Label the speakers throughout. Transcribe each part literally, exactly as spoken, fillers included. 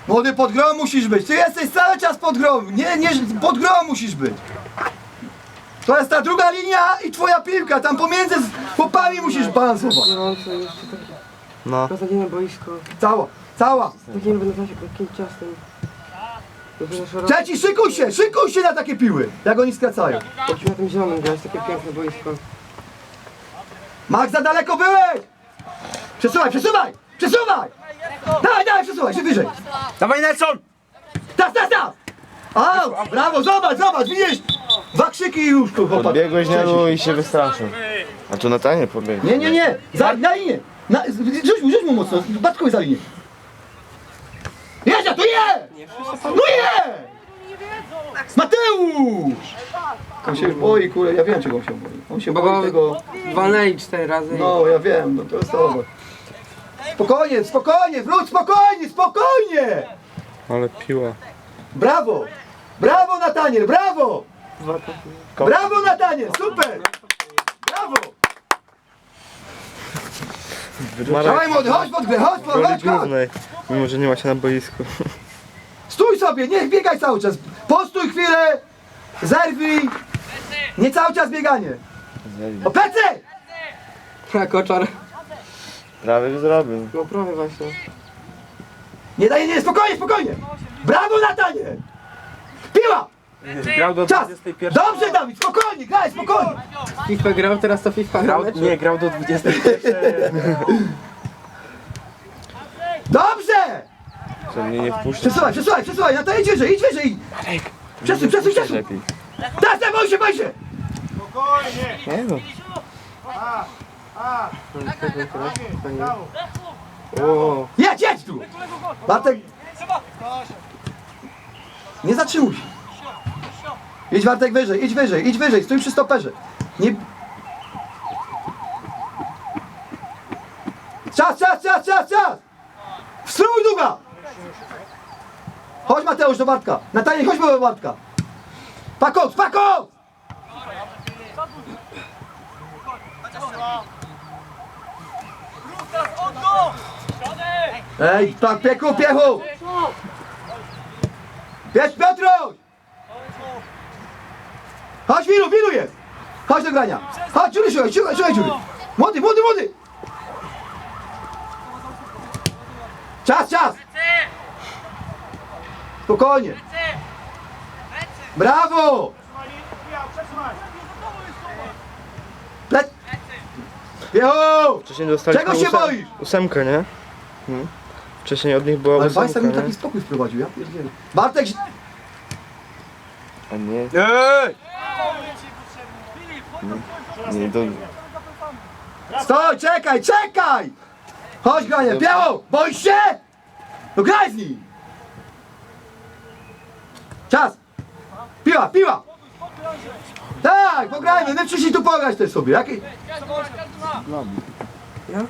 Speaker 1: Młody, pod grą musisz być. Ty jesteś cały czas pod grą. Nie, nie, pod grą musisz być. To jest ta druga linia i twoja piłka. Tam pomiędzy z chłopami musisz balansować.
Speaker 2: Gorąco jeszcze takie
Speaker 3: No.
Speaker 2: beznadziejne boisko.
Speaker 1: Cała, cała.
Speaker 2: Takie nie będę takim ciastem.
Speaker 1: Trzeci, szykuj się, szykuj się na takie piły. Jak oni skracają.
Speaker 2: Musimy na tym zielonym grać, takie piękne boisko.
Speaker 1: Max, za daleko byłeś! Przesuwaj, przesuwaj! Przesuwaj! Dawaj, dawaj, przesuwaj się wyżej!
Speaker 3: Dawaj Nelson!
Speaker 1: Staf, staf, staf! Au! Brawo, zobacz, zobacz, widzisz? Dwa krzyki i już tu, chłopak.
Speaker 3: Podbiegłeś Nelu i się wystraszył. A tu na tanie pobiegł.
Speaker 1: Nie, nie, nie! Za, na linię! Na, rzuć mu, rzuć mu mocno, Bartkowi za linię. Jedzie, to je! No je! Mateusz! On się już boi, kurde, ja wiem czego on się boi. On się boi tego...
Speaker 2: Walnęli cztery razy.
Speaker 1: No, ja wiem, no to jest to. Spokojnie, spokojnie, wróć, spokojnie, spokojnie!
Speaker 3: Ale piła.
Speaker 1: Brawo! Brawo Nataniel, brawo! Brawo Nataniel, super! Brawo! Dawaj młody, chodź pod grę, chodź, chodź, chodź, chodź!
Speaker 3: Mimo, że nie ma się na boisku.
Speaker 1: Stój sobie, niech biegaj cały czas. Postój chwilę, zerwij. Nie cały czas bieganie. O plecy!
Speaker 2: A koczar.
Speaker 3: Prawie by zrobił.
Speaker 2: No prawie właśnie.
Speaker 1: Nie daj, nie, spokojnie, spokojnie! Brawo Nataniel! Piła!
Speaker 3: Grał do
Speaker 1: Czas! Dobrze Dawid, spokojnie, graj, spokojnie!
Speaker 2: FIFA grał, teraz to FIFA grał.
Speaker 3: Nie, grał do dwudziestej pierwszej.
Speaker 1: Dobrze!
Speaker 3: Że mnie nie wpuszcza.
Speaker 1: Przesuwaj, przesuwaj, przesuwaj, na to idź wyżej, idź wyżej! Przesuń, przesuń, przesuń!
Speaker 3: Lepiej.
Speaker 1: Teraz, teraz, boj się, boj się!
Speaker 3: Nie no.
Speaker 2: O,
Speaker 1: Jedź, jedź tu! Bartek... Nie zatrzymuj się! Idź Bartek wyżej, idź wyżej, idź wyżej, stój przy stoperze. Nie... Czas, czas, czas, czas, czas! Wstrój długa! Chodź Mateusz do Bartka. Nataniel, chodź do Bartka. Pakot, pakot! Ej, tak, pieku, piechu! Pies Piotruś! Chodź, Wilu, Wilu jest! Chodź do grania! Chodź, Dziury, szukaj, szukaj, szukaj, Dziury! Młody, młody, młody! Czas, czas! Spokojnie! Brawo! Le... Piechu!
Speaker 3: Wcześniej dostaliśmy
Speaker 1: Czego się
Speaker 3: ósem-
Speaker 1: boisz?
Speaker 3: Ósemkę, nie? Hmm. Wcześniej od nich była
Speaker 1: Ale
Speaker 3: ósemka,
Speaker 1: Bajsa mi
Speaker 3: nie?
Speaker 1: taki spokój wprowadził, ja pierdzielę. Bartek...
Speaker 3: A nie.
Speaker 1: Ej!
Speaker 3: Nie, to...
Speaker 1: Stoj, czekaj, czekaj! Chodź granie, Biało, boisz się? No graj z nim! Czas! Piła, piła! Tak, pograjmy, my przyszli tu pograć też sobie. Jaki...
Speaker 2: ja?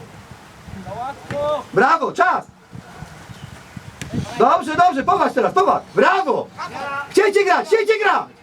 Speaker 1: Brawo, czas! Dobrze, dobrze, popatrz teraz, popatrz! Brawo! Chciejcie grać, chciejcie grać!